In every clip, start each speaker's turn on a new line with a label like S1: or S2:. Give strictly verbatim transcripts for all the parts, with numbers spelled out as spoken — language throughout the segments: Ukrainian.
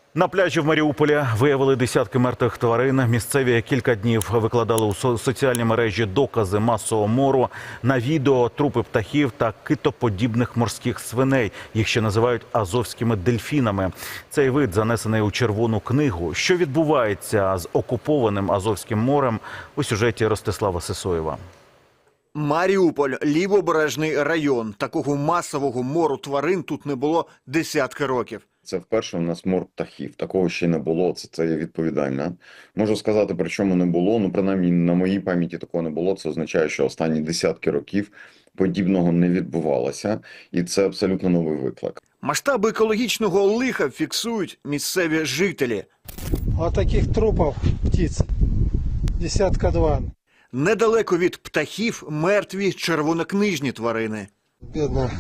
S1: На пляжі в Маріуполі виявили десятки мертвих тварин. Місцеві кілька днів викладали у со- соціальні мережі докази масового мору. На відео трупи птахів та китоподібних морських свиней. Їх ще називають азовськими дельфінами. Цей вид занесений у Червону книгу. Що відбувається з окупованим Азовським морем у сюжеті Ростислава Сисоєва.
S2: Маріуполь – лівобережний район. Такого масового мору тварин тут не було десятки років.
S3: Це вперше у нас мор птахів. Такого ще не було, це, це є відповідально. Можу сказати, при чому не було, ну принаймні на моїй пам'яті такого не було. Це означає, що останні десятки років подібного не відбувалося. І це абсолютно новий виклик.
S2: Масштаби екологічного лиха фіксують місцеві жителі.
S4: А таких трупов птиц десятка два.
S2: Недалеко від птахів мертві червонокнижні тварини.
S4: Бедное,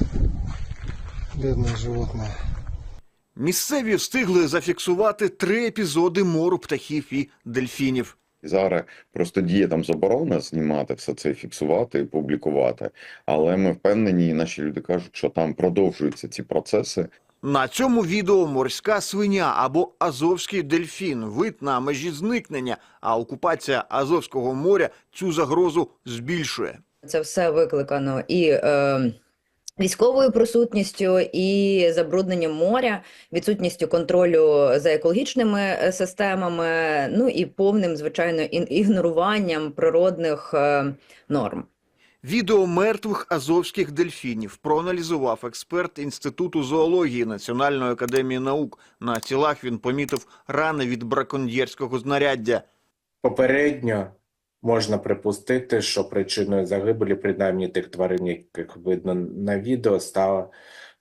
S4: бедное животное.
S2: Місцеві встигли зафіксувати три епізоди мору птахів і дельфінів.
S3: І зараз просто діє там заборона знімати все це, фіксувати і публікувати. Але ми впевнені, і наші люди кажуть, що там продовжуються ці процеси.
S2: На цьому відео морська свиня або азовський дельфін. Вид на межі зникнення, а окупація Азовського моря цю загрозу збільшує.
S5: Це все викликано і е, військовою присутністю, і забрудненням моря, відсутністю контролю за екологічними системами, ну і повним, звичайно, ін- ігноруванням природних е, норм.
S2: Відео мертвих азовських дельфінів проаналізував експерт Інституту зоології Національної академії наук. На тілах він помітив рани від браконьєрського знаряддя.
S6: Попередньо можна припустити, що причиною загибелі, принаймні тих тварин, яких видно на відео, став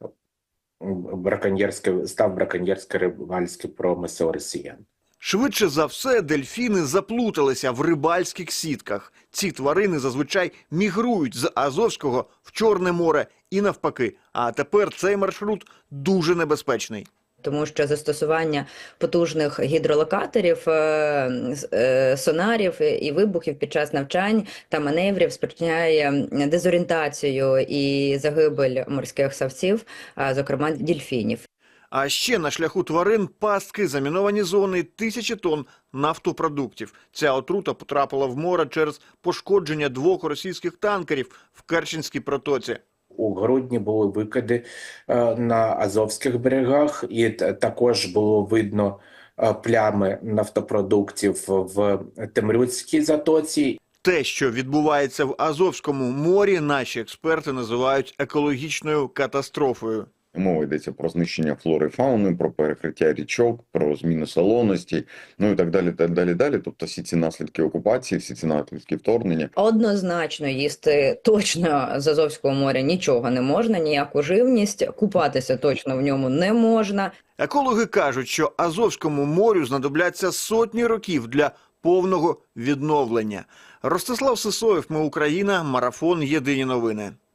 S6: браконьєрський, став браконьєрський рибальський промисел росіян.
S2: Швидше за все, дельфіни заплуталися в рибальських сітках. Ці тварини зазвичай мігрують з Азовського в Чорне море і навпаки. А тепер цей маршрут дуже небезпечний.
S5: Тому що застосування потужних гідролокаторів, е, е, сонарів і вибухів під час навчань та маневрів спричиняє дезорієнтацію і загибель морських савців, а зокрема дельфінів.
S2: А ще на шляху тварин пастки, заміновані зони, тисячі тонн нафтопродуктів. Ця отрута потрапила в море через пошкодження двох російських танкерів в Керченській протоці.
S6: У грудні були викиди е, на Азовських берегах, і т- також було видно е, плями нафтопродуктів в Темрюцькій затоці.
S2: Те, що відбувається в Азовському морі, наші експерти називають екологічною катастрофою.
S3: Мова йдеться про знищення флори і фауни, про перекриття річок, про зміну солоності, ну і так далі, так далі, далі. Тобто всі ці наслідки окупації, всі ці наслідки вторгнення.
S5: Однозначно їсти точно з Азовського моря нічого не можна, ніяку живність, купатися точно в ньому не можна.
S2: Екологи кажуть, що Азовському морю знадобляться сотні років для повного відновлення. Ростислав Сисоєв, Ми Україна, марафон «Єдині новини».